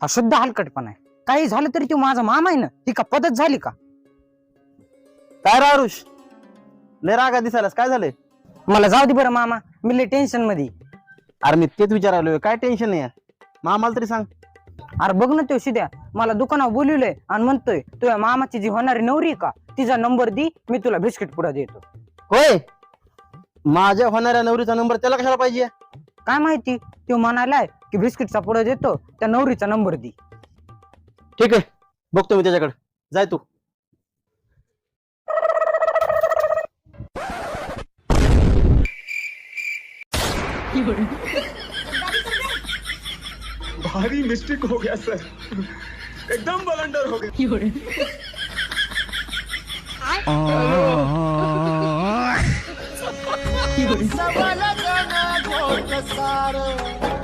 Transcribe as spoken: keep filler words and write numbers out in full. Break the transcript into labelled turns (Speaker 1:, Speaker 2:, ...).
Speaker 1: हा शुद्ध हलकटपणा आहे. काही झालं तरी तो माझा मामा आहे ना, ही का पद्धत झाली का?
Speaker 2: काय रे आरुष, लय रागा दिसायलास, काय झालंय?
Speaker 1: मला जाऊ दे बरं मामा, मी लय टेन्शन मध्ये.
Speaker 2: अरे मी तेच विचारालोय, काय टेन्शन नाही मामाला तरी सांग.
Speaker 1: अरे बघ ना तो शिद्या मला दुकानावर बोलवलंय आणि म्हणतोय तुझ्या मामाची जी होणारी नवरी आहे का तिचा नंबर दी, मी तुला बिस्किट पुडा देतो.
Speaker 2: होय, माझ्या होणाऱ्या नवरीचा नंबर त्याला कशाला पाहिजे?
Speaker 1: काय माहिती, तो म्हणालाय की बिस्किटचा पुडा देतो, त्या नवरीचा नंबर दी.
Speaker 2: ठीक आहे, बघतो मी त्याच्याकडे, जाय तू.
Speaker 3: भारी मिस्टेक हो गया सर, एकदम बलंडर हो गया.
Speaker 4: सबल जन घोट सार